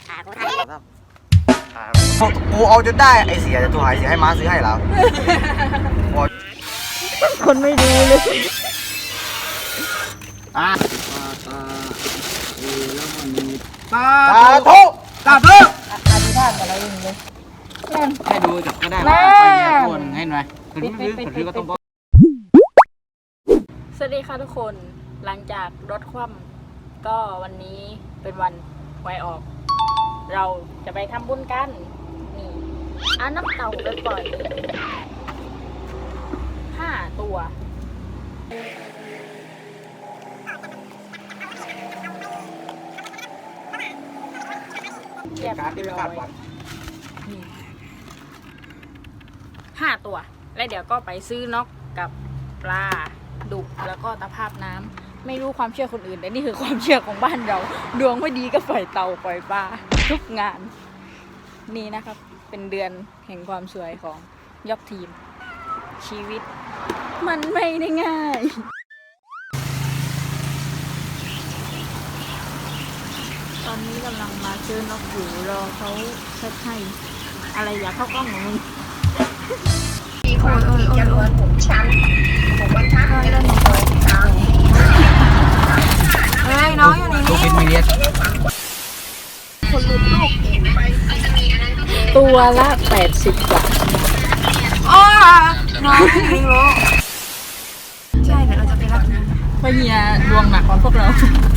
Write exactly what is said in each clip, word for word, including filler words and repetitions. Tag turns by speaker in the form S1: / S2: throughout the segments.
S1: กูเอาจนได้ไอเสียจะตัวหายเสียให้ม้าซื้อให้แล้ว
S2: คนไม่ดูเลย
S1: อ่ะ
S3: ตา
S1: ตาทุกตาทุก
S2: อธิษฐานอะไรอย่างเงี้ย
S3: ให้ดูจับก็ได้ไปคนให้หน่อยถือถือถือก็ต้องบอก
S2: สวัสดีค่ะทุกคนหลังจากรถคว่ำก็วันนี้เป็นวันหวยออกเราจะไปทำบุญกันนี่เอาน้ำเต่าไปปล่อยห้าตัวเก็บร้อยห้าตัวแล้วเดี๋ยวก็ไปซื้อนกกับปลาดุกแล้วก็ตะภาพน้ำไม่รู้ความเชื่อคนอื่นแต่นี่คือความเชื่อของบ้านเราดวงไม่ดีก็ปล่อยเต่าปล่อยปลาทุกงานนี่นะครับเป็นเดือนแห่งความสวยของยกทีมชีวิตมันไม่ได้ง่ายตอนนี้กำลังมาเจอนกอยู่รอเขาเช็ดให้อะไรอยากเข้ากล้องของมึง
S4: มีความถี่จำนวนหกชั้นหกบรรทัดเป็นหกทาง
S2: เฮ้ยน้องอยู่ในนี้
S3: ลูกฟิตมีเลียส
S2: คนลุ้นลูกตัวละแปดสิบบาทอ๋อน้องไม่รู้ใช่เดี๋ยวเราจะไปรับนะเพราะเฮียดวงหนักกว่าพวกเรา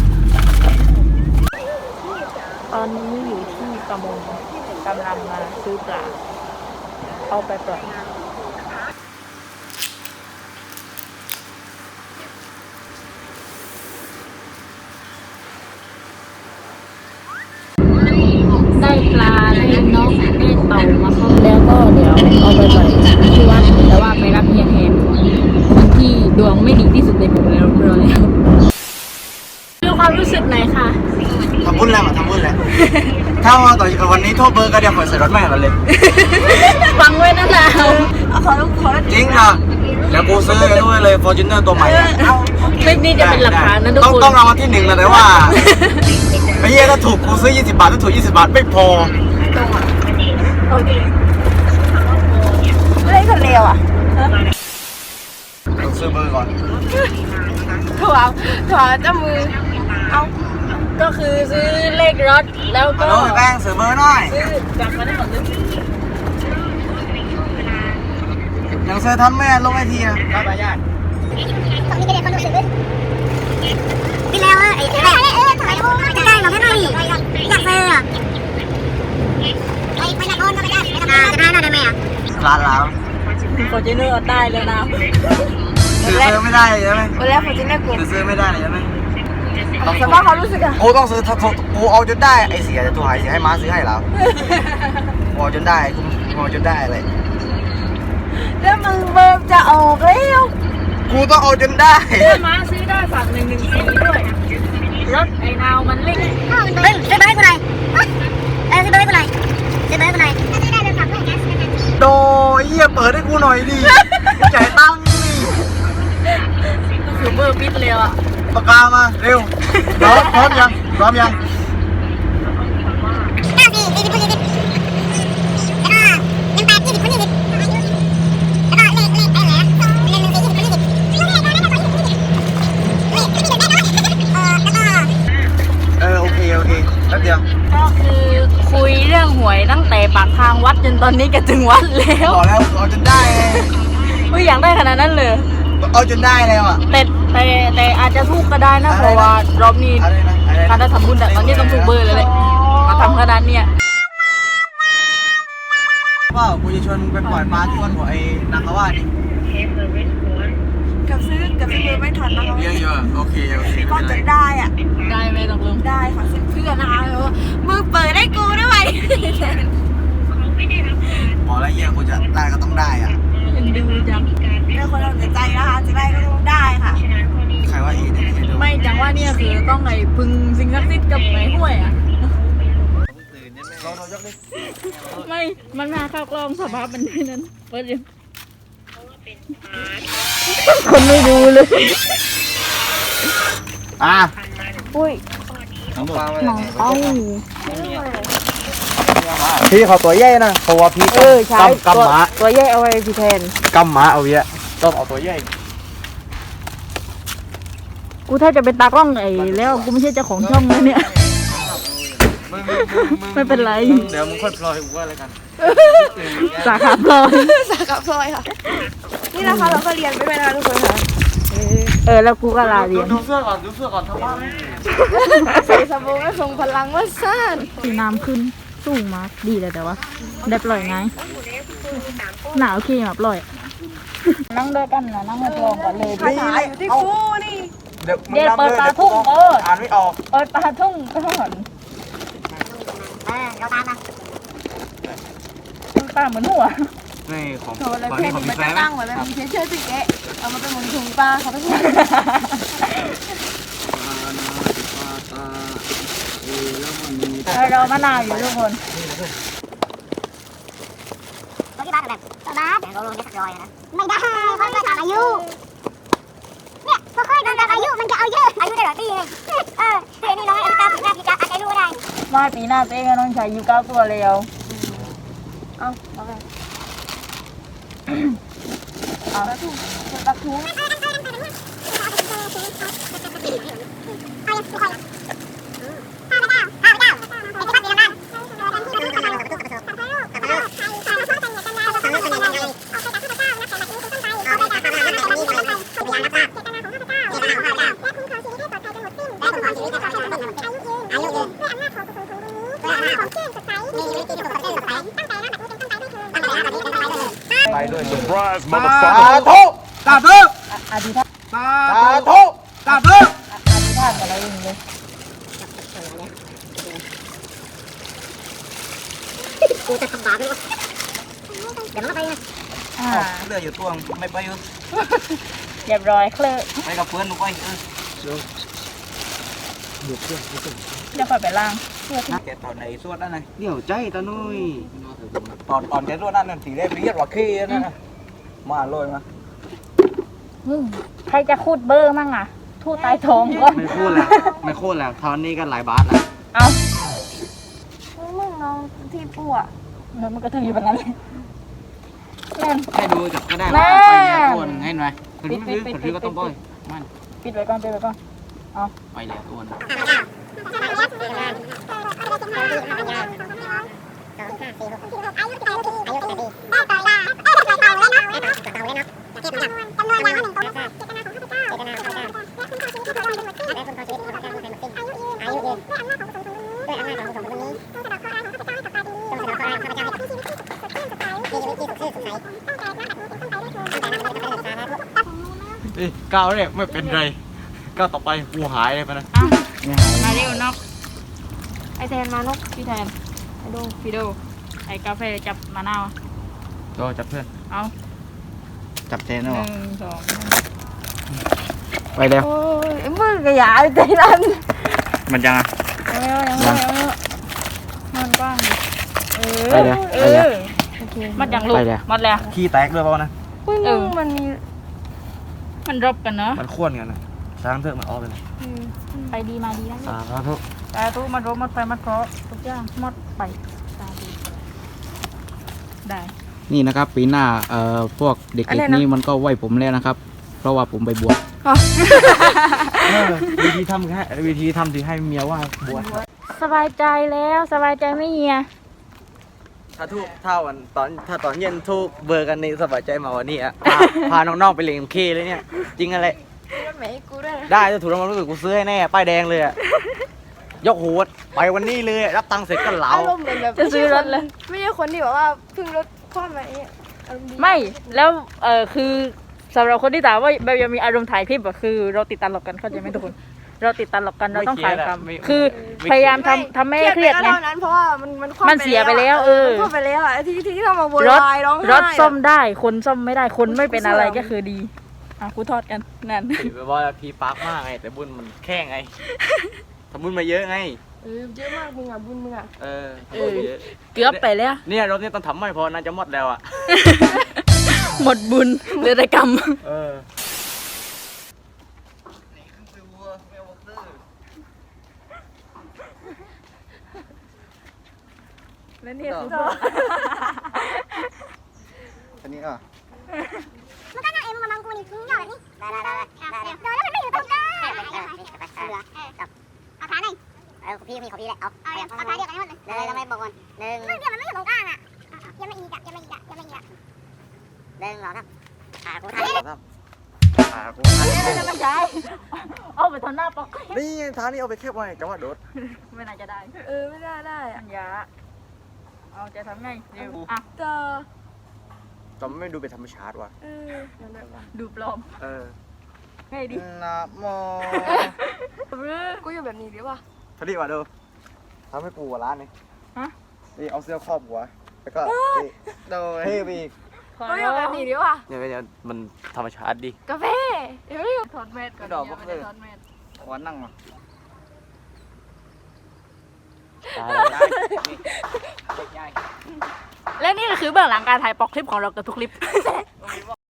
S2: ตอนนี้อยู่ที่ประมงกำลังมาซื้อปลาเอาไปปล่อยได้ปลาได้นกได้เต่ามาครับแล้วก็เดี๋ยวเอาไปปล่อยที่วัดแต่ว่าไปรับเฮียแทนคนที่ดวงไม่ดีที่สุดในหมู่แล้วเราแล้วดูความรู้สึกไหนคะ
S1: ทำบุญแล้วมาทำบุญแล้วถ้าว่าต่อวันนี้โทษเบอร์ก็เดี๋ยวขอใส่รถแม่เราเลย
S2: ฟังไว้นะเราขอขอ
S1: จริงนะแล้วกูซื้อด้วยเลยฟอร์จูเนอร์ตัวใหม่
S2: คลิปนี้จะเป็นหลักฐานนะทุกคน
S1: ต้องรางวัลที่หนึ่งนะแต่ว่าไอ้เหี้ยถ้าถูกกูซื้อยี่สิบบาทถ้าถูกยี่สิบบาทไม่พอ
S2: โอเคเล่นคนเร็วอ่ะ
S1: ต้องซื้อเบอร์ก่อน
S2: ถั่วถั่วเจ้ามือเอาก็คือซื้อเลขรถแล้วก็
S1: แป้งซื้อเบอร์หน่อย
S2: ซื้อจับมาได้หมดเลย
S1: ยังซื้อทำแม่ลงไอทีนะได้ไปยาก
S4: ตอนนี้ก็เด็กคนรู้สึกเลยพี่แล้วไอ้แม่เออถ่ายรูปจะได้หรอแค่ไหนอยากเซอร์อ่ะไปไปนักบอลก็ไปได้ไปทำงานจะได้น่าได้ไหมอ่ะ
S1: ร้านแล้ว
S2: ฟอร์จูเนอร์ได้แล้วนะ
S1: ซื้อซื้อไม่ได้ใช่ไหม
S2: วันแรกฟอร์จูเนอร์กู
S1: ซื้อไม่ได้ใช่ไหม
S2: สภาพเขารู้สึกอะ
S1: กูต้องซื้อกูเอาจนได้ไอเสียจะตัวหายเสียให้ม้าซื้อให้แล้วกูเอาจนได้กูเอาจนได้เลย
S2: แล้วมึงเบิร์จะออกแล้ว
S1: กูต้องเอาจนได้
S2: แล้วม้าซื้อได้ฝากหนึ่งหนึ่งสี่ด้วยรถไอ้นาวมันเล็ก
S4: เฮ้ยซื้อเบอร์ให้กูหน่อยเออซื้อเบอร์ให้กูหน่อยซื้อเบอร์ให้กูหน่อยซื้อได้เลยฝากด้วยแก๊ส
S1: โดยเหี้ยเปิดให้กูหน่อยดิจ่ายตังค์ดิ
S2: ก็คือเบอร์ปิดเลยอ่ะ
S1: ปากกามาเร็วพร้อมพร้อมยังพร้อมยัง
S4: เก้าสี่สี่สิบคนยี่สิบแล้วก็ยังแปดยี่สิบคนยี่สิบแล้วก็เลขเลขอะไรนะเลขหนึ่งสี่ยี่สิบคนยี่สิบเลขอะไรนะเลขยี่สิบเลขที่เด็ดได้ด้วยเออแล้วก็
S1: เออโอเคโอเคแป๊บเดียว
S2: ก็คือคุยเรื่องหวยตั้งแต่ปากทางวัดจนตอนนี้ก็ถึงวัดแล้ว
S1: บอกแล้วเอาจนได้
S2: ไม่อยากได้ขนาดนั้นเลย
S1: เอาจนได้แล้วอ่ะ
S2: แต่แต่แต่อาจจะถูกก็ได้นะเพราะว่ารอบนี้การได้ทำบุญแต่ตอนนี้ต้องถูกเบอร์เลยเลยมาทำขนาดเนี้ย
S1: ว่ากูจะชวนมึงไปปล่อยปลาที่วันหัวไอ้นางกว่าดิ
S5: กับซื้อกับซื้อไม่ทันนะคะ
S1: เยอะๆโอเคโอเค
S5: ก็จะได้อ่ะ
S2: ได้ไหมตกลง
S5: ได้ค่ะซื้อเพื่อนนะคะมือเปิดได้กูด้วย
S1: บอกแล้วเยี่ยกูจะได้ก็ต้องได้อ่ะ
S2: ยังดูจัง
S5: เรื่องคนเราใจนะคะจะได้ก็ต้องได้ค่ะ
S1: ใครว่าอีเนี่ย
S2: ไม่จังว่าเนี่ยคือต้องไงพึงสิ่งศักดิ์สิทธิ์กับไงห้วยอ่ะไม่ มันมาเข้ากล้องสภาพมันที่นั้นเปิดยังคนไม่ดูเลย
S1: อ่ะ
S2: อุ้ย
S1: น้องปลา
S2: น้องเอ้า
S1: พี่เขาตัวใหญ่นะเพราะว่าพี่
S2: เออใช่
S1: กำ
S2: ตัว
S1: กำหมา
S2: ตัวใหญ่เอาไว้พี่แทน
S1: กำหมาเอาเยอะต้องเอาตัวใหญ่
S2: กูถ้าจะเป็นตากล้องไอ้แล้วกูไม่ใช่เจ้าของช่องเลยเนี่ย ไม่เป็นไร
S3: เดี๋ยวมึงค่อยปล่อยกูว่าอะไรกัน
S2: สาขาพลอย
S5: สาขาพลอยค่ะ นี่นะคะเราก็เรียนไปด้วยนะคะทุกคนค่ะ
S2: เออแล้วกูก็ลาเรียน
S3: ดูเสื้อก่อนดูเสื้อก่อนทำไม
S5: ใส่สบงและส่งพลังว่าซ่าน
S2: สีน้ำขึ้นสูงมากดีเลยแต่ว่าได้ปล่อยไงหนาวขี้มาปล่อย นั่งด้วยกันนะนั่งมาลองกันเลย
S5: ภาษาอยู่ที่กูนี่
S1: เดี๋ยว
S2: เดี๋ยวเปิดปลาทุ่งเออ
S1: อ่านไม่ออก
S2: เปิดปลาทุ่งก่อน
S4: เออเราตามมา
S2: ตาเหมือนหัว
S3: นี่ของ
S5: โชว์เลย
S3: ของ
S5: เพ
S3: นี่
S5: น
S3: ของ
S5: มั
S3: พี่
S5: น
S3: แฟ
S5: จะ
S3: น
S5: ตั้งไว้แบบมีเชื่อสิเกะเอามาเป็นหมุนถุงปลาเขาทุกคน
S2: เออเรามะนาวอยู่ทุกคน
S4: ตัวที่บ้านแบบตัวบ้านแต่เราลงได้สักร้อยนะไม่ได้เพราะมันตามอายุเนี่ยพอค่อยโดนตามอายุมันจะเอาเยอะอายุได้หลายปีไงเออเดี๋ยวนี้น้อยอายุตามปีหน้าปีจะอายุได้
S2: มาปีหน้าตัวเองก็ต้องใช้ยูเก้าตัวเร็ว
S5: เอาเอาไป
S2: เอา
S5: ปลาทูปลาทู
S1: ไปด้วย
S6: Surprise,
S1: สา
S6: motherfucker.
S1: ธุ
S3: ตาเด้อ
S2: อธิษฐาน
S3: ตา
S1: สาธุ
S3: ตาเด้อ
S2: อธิษฐานกับเราเองเลย
S4: กูจะทำบาปไหมวะเดี๋ยวมันก็ไปนะ
S2: อ่า
S1: เลืออยู่ตัวไม่ไปอยู่
S2: เรียบร้อยเคลื่อน
S1: ไปกับเพื่อนลูกไปเออ
S2: เดี๋ยวค่อยไปล้าง
S1: แกตอนไหนสวดนั่นไง
S3: เดี๋ยวใจตานุ้ย
S1: ตอนตอนแกสวดนั่นน่ะสีได้เรียกว่าขี้นั่นนะมาเลยมา
S2: อืมใครจะคูดเบอร์มั่งอ่ะ ทูดใต้ท้องก็
S3: ไม่พูดแล้วไม่พูดแล้วทอนนี้ก็หลายบาทแล้ว
S2: เอา
S5: มึงน้องที่ปูอ่ะ
S2: เงินมันก็ถืออยู่แบบนั้นเลยนั่น
S3: ให้ดูจับก็ได้
S2: แม่
S3: ว่าไปเนี่ยตัวหนึงให้หน่อยคน
S2: ปิ
S3: ที่
S2: ดปิดปิด
S3: คนที่ก็ต้อง
S2: ปิ
S3: ปล่อ
S2: ด
S3: ยมัน
S2: ปิดไว้ก่อนปิดไว้ก่อน
S3: ไปแล้วตัวหนึง เอ้ยก้าวเนี่ยไม่เป็นไรก้าวต่อไปกูหายเลยไปนะ
S2: อ่ะมาเร็วนอกไอแทนมานกพี่แทนไอโดพี่โดไอกาแฟจับมะนาว
S3: ก็จับเพื่อน
S2: เอา
S3: จับเจน
S2: ห
S3: นะ
S2: นึ่
S3: วะ
S2: งสอง
S3: ไปแล้ว
S2: โอ้ยมือกระยาใจรัน
S3: มันยังอ่ะ
S2: ยังไม่เอายังไม่เอายังไม่เอามันกว้างดิเออ
S3: ไปเลย
S2: เอ
S3: ไปเลย
S2: อมัดยังลูก
S3: ไปเลย
S2: มัดแล้ว
S1: ขี้แตกด้วยเปล่านะ
S5: อุ้ย
S2: เอ
S5: มึ
S2: อ
S5: งมันมี
S2: มันรบกันเนาะ
S1: มันข้วนกันนะช้างเถอะมันออกไปเลย
S2: ไปดีมาดีนะ
S1: สาธุ
S2: แต่ตู้มันรบมัดไปมัดเคาะทุกอย่างมัดไปสาธุได้
S3: นี่นะครับปีหน้าเอ่อพวกเด็กๆนี่มันก็ไหวผมแล้วนะครับ เพราะว่าผมไปบวช
S1: เออวิธีทำแค่วิธีทำที่ให้เมียว่าบวช
S2: สบายใจแล้วสบายใจไม่เฮีย
S1: ถ้าทุกถ้าวันตอนถ้าตอนเย็นทุกเบอร์กันนี่สบายใจมาวันนี้อ่ะพาพาน้องๆไปเล่นเคเลยเนี่ยจริงอะไร
S5: มันไม่ให้กูด้วยนะ
S1: ได้ถ้าถูกรางวัลรู้สึกกูซื้อให้แน่ป้ายแดงเลยอ่ะยกหูไปวันนี้เลยรับตังค์เสร็จก็เหลา
S5: อารมณ์เหมือนแบบ
S2: จะซื้อรถเลย
S5: ไม่ใช่คนที่แบบว่าเพิ่งรถคว่ำอะไรเงี้ยอารมณ์ดี
S2: ไม่แล้วเออคือสำหรับคนที่ถามว่าแบบยังมีอารมณ์ถ่ายคลิปอะคือ เราติดตลกกันเข้าใจไหมทุกคน เราติดตลกกันเราต้องขายคำคือพยายามทำทำไม่ให้เครียด
S5: ไป
S2: ไง
S5: ก็เท่านั้นเพราะว่ามันมันคว่ำ
S2: มันเสียไปแล้วเออ
S5: มันคว่ำไปแล้วอ่ะที่ที่ที่เรามาโว
S2: รถ
S5: ยวายร้องไห้
S2: รถซ่อม
S5: อะ
S2: ได้คนซ่อมไม่ได้คนไม่เป็นอะไรก็คือดีอ่ะกูทอดกันนั่น
S1: ถือไปว่าพี่ปาร์กมากไงแต่บุญมันแค่ไงทำบุญมาเยอะไง
S5: เออเยอะมากมึงอ่ะบุญมึงอ่ะ
S1: เออ
S2: เออ เกือบไปแล้ว
S1: เนี่ยรถเนี่ยต้องทำไม่พอน่าจะหมดแล้วอ่ะ
S2: หมดบุญเหลือแต่กรรม
S1: เออ
S2: และนี่คือเบื้อง
S1: อันนี้อ่ะ
S4: มันก็น่าเอ็มมาบังกูนี่มึงหยอดนี่ได้ได้ได้ได้โดนแล้วมันไม่อยู่ตรงกลางเหลือจับเอาขาหน่อยเออพี่มีของพี่แหละเอาเอาเอาขาเดียวกันให้หมดเลยเลยทำไมบอกกันหนึ่งเดี๋ยวมันไม่อยู่ตรงกลางอ่ะยังไม่อีกอ่ะยังไม่อีกอ่ะยังไม่อีกอ่ะหนึ่งสองสามขากูทำ
S1: ครับขากู
S2: จะไม่ใช่เอาไปทำหน้าปอก
S1: นี่ทางนี้เอาไปแคบไว้จังหวะโดด
S2: ไม่น่าจะได้
S5: เออไม่ได้ได้
S2: อั
S5: อะ
S2: ญญาเอาจะทำไงเร็วอ่ะ
S5: เจอ
S1: จอมไม่ดูเป็นธรรมชาติว่ะ
S5: เออนั่นแหละว่ะ
S2: ดูปลอม
S1: เออ
S2: ไงดิ
S1: นะโม
S5: กูอยู่แบบนี้ดีป่ะ
S1: เขาดีกว่าดูทำให้กูหัวร้านนี่
S2: ฮะ
S1: นี่เอาเสื้อครอบหัวแล้วก็นี่โดยเท่ไปอีก
S5: กูอยู่แบบนี้ดีป่ะ
S1: เนี่ยเนี่ยมันธรรมชาติดิ
S5: กาแฟเดี๋ยวอยู่
S2: ถอดแมสก่อน
S1: ดอก
S2: ยัง
S1: ก็
S2: ไม่
S1: คื
S2: ได้
S1: อ
S2: ถอดแมส
S1: ขอนั่งมา
S2: และนี่ก็คือเบื้องหลังการถ่ายปอกคลิปของเราเกับทุกคลิป